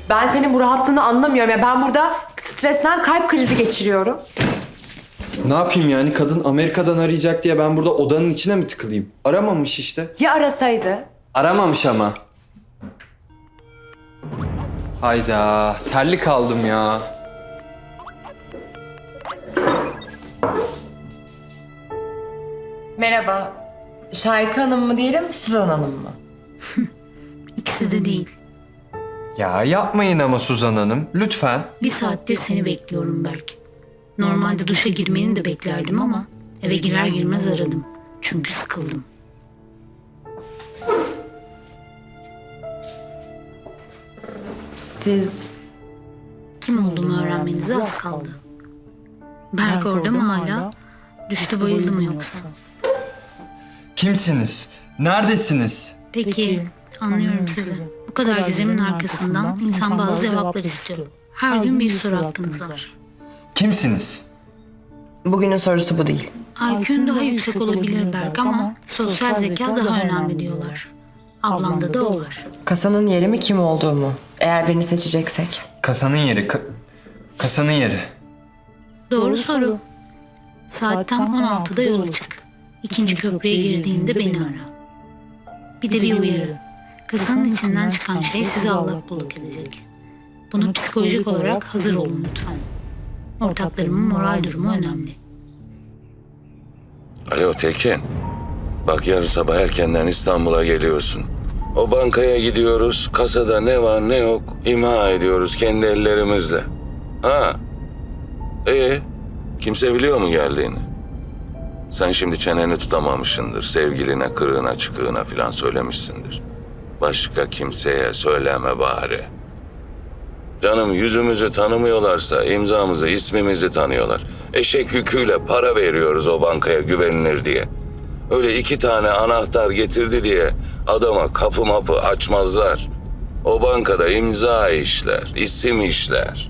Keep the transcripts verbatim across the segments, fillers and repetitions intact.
Ben senin bu rahatlığını anlamıyorum. Ya ben burada stresten kalp krizi geçiriyorum. Ne yapayım yani? Kadın Amerika'dan arayacak diye ben burada odanın içine mi tıkılayım? Aramamış işte. Ya arasaydı? Aramamış ama. Hayda, terli kaldım ya. Merhaba. Şahika Hanım mı diyelim, Suzan Hanım mı? İkisi de değil. Ya yapmayın ama Suzan Hanım, lütfen. Bir saattir seni bekliyorum Berk. Normalde duşa girmeni de beklerdim ama eve girer girmez aradım. Çünkü sıkıldım. Siz... Kim olduğumu öğrenmenize az kaldı. Berk orada mı hala? Düştü bayıldı mı yoksa? Kimsiniz? Neredesiniz? Peki, anlıyorum sizi. Bu kadar gizemin arkasından insan bazı cevaplar istiyor. Her gün bir soru hakkınız var. Kimsiniz? Bugünün sorusu bu değil. I Q'un daha yüksek olabilir Berk ama sosyal zeka daha önemli diyorlar. Ablanda da o var. Kasanın yeri mi, kim olduğu mu? Eğer birini seçeceksek. Kasanın yeri, ka- kasanın yeri. Doğru soru. Saat tam on altıda yola çık. İkinci köprüye girdiğinde beni ara. Bir de bir uyarı. Kasanın içinden çıkan şey sizi allak bullak edecek. Buna psikolojik olarak hazır olun lütfen. Ortaklarımın moral durumu önemli. Alo Tekin. Bak yarın sabah erkenden İstanbul'a geliyorsun. O bankaya gidiyoruz. Kasada ne var ne yok imha ediyoruz kendi ellerimizle. Ha? İyi. Kimse biliyor mu geldiğini? Sen şimdi çeneni tutamamışsındır. Sevgiline, kırığına, çıkığına filan söylemişsindir. Başka kimseye söyleme bari. Canım yüzümüzü tanımıyorlarsa imzamızı, ismimizi tanıyorlar. Eşek yüküyle para veriyoruz o bankaya güvenilir diye. Öyle iki tane anahtar getirdi diye adama kapı mapı açmazlar. O bankada imza işler, isim işler.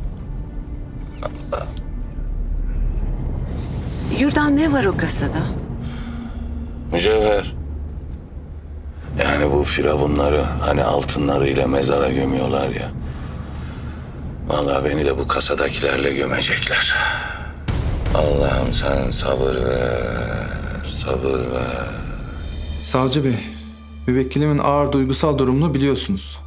Yurdan ne var o kasada? Mücevher. Yani bu firavunları hani altınlarıyla mezara gömüyorlar ya. Vallahi beni de bu kasadakilerle gömecekler. Allah'ım sen sabır ver, sabır ver. Savcı Bey, müvekkilimin ağır duygusal durumunu biliyorsunuz.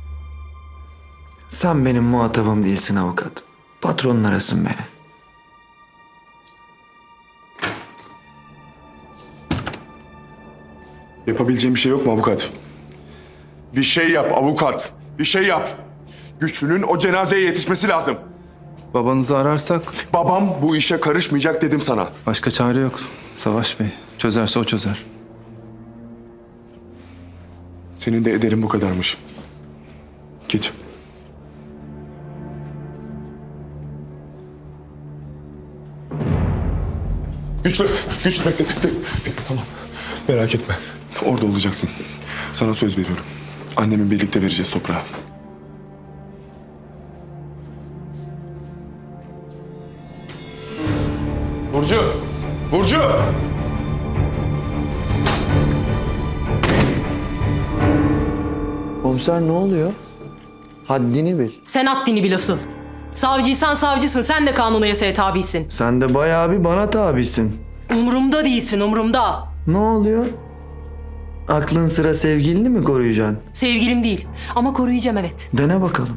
Sen benim muhatabım değilsin avukat. Patronun arasın beni. Yapabileceğim bir şey yok mu avukat? Bir şey yap avukat. Bir şey yap. Güçlünün o cenazeye yetişmesi lazım. Babanızı ararsak Babam bu işe karışmayacak dedim sana. başka çare yok. Savaş Bey, çözerse o çözer. Senin de ederin bu kadarmış. Git. Güçlü, güçlü bekle, bekle, bekle, tamam. Merak etme. Orada olacaksın. Sana söz veriyorum. Annemin birlikte vereceğiz toprağı. Burcu! Burcu! Komiser ne oluyor? Haddini bil. Sen haddini bil asıl. Savcıysan savcısın, sen de kanuna tabisin. Sen de bayağı bir bana tabisin. Umurumda değilsin, umurumda. Ne oluyor? Aklın sıra sevgilini mi koruyacaksın? Sevgilim değil ama koruyacağım evet. Dene bakalım.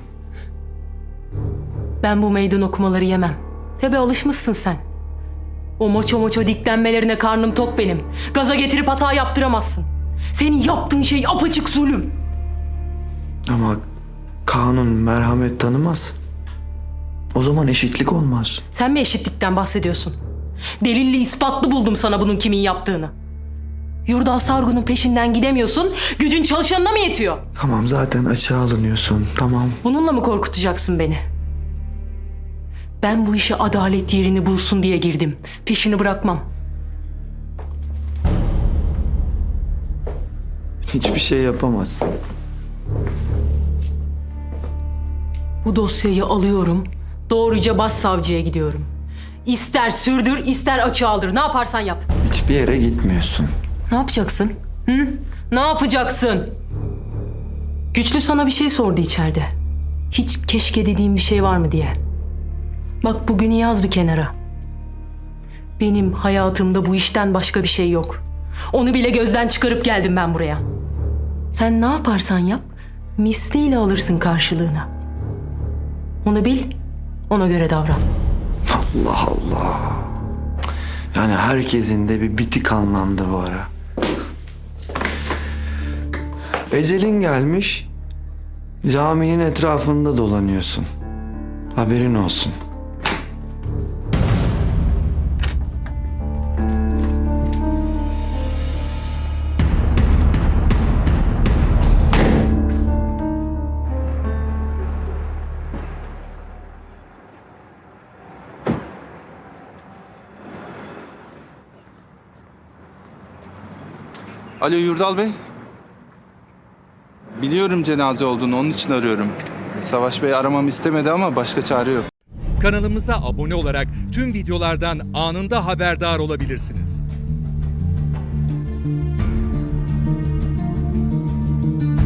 Ben bu meydan okumaları yemem. Tabii alışmışsın sen. O moço moço diklenmelerine karnım tok benim. Gaza getirip hata yaptıramazsın. Senin yaptığın şey apaçık zulüm. Ama kanun merhamet tanımaz. O zaman eşitlik olmaz. Sen mi eşitlikten bahsediyorsun? Delilli ispatlı buldum sana bunun kimin yaptığını. Yurdal Sargun'un peşinden gidemiyorsun, gücün çalışanına mı yetiyor? Tamam zaten açığa alınıyorsun, tamam. Bununla mı korkutacaksın beni? Ben bu işe adalet yerini bulsun diye girdim. Peşini bırakmam. Hiçbir şey yapamazsın. Bu dosyayı alıyorum, doğruca başsavcıya gidiyorum. İster sürdür, ister açığa aldır. Ne yaparsan yap. Hiçbir yere gitmiyorsun. Ne yapacaksın? Hı? Ne yapacaksın? Güçlü sana bir şey sordu içeride. Hiç keşke dediğim bir şey var mı diye. Bak bugünü yaz bir kenara. Benim hayatımda bu işten başka bir şey yok. Onu bile gözden çıkarıp geldim ben buraya. Sen ne yaparsan yap, misliyle alırsın karşılığını. Onu bil, ona göre davran. Allah Allah. Yani herkesin de bir bitik anlandı bu ara. Ecelin gelmiş. Caminin etrafında dolanıyorsun. Haberin olsun. Alo Yurdal Bey. Biliyorum cenaze olduğunu, onun için arıyorum. Savaş Bey aramamı istemedi ama başka çare yok. Kanalımıza abone olarak tüm videolardan anında haberdar olabilirsiniz.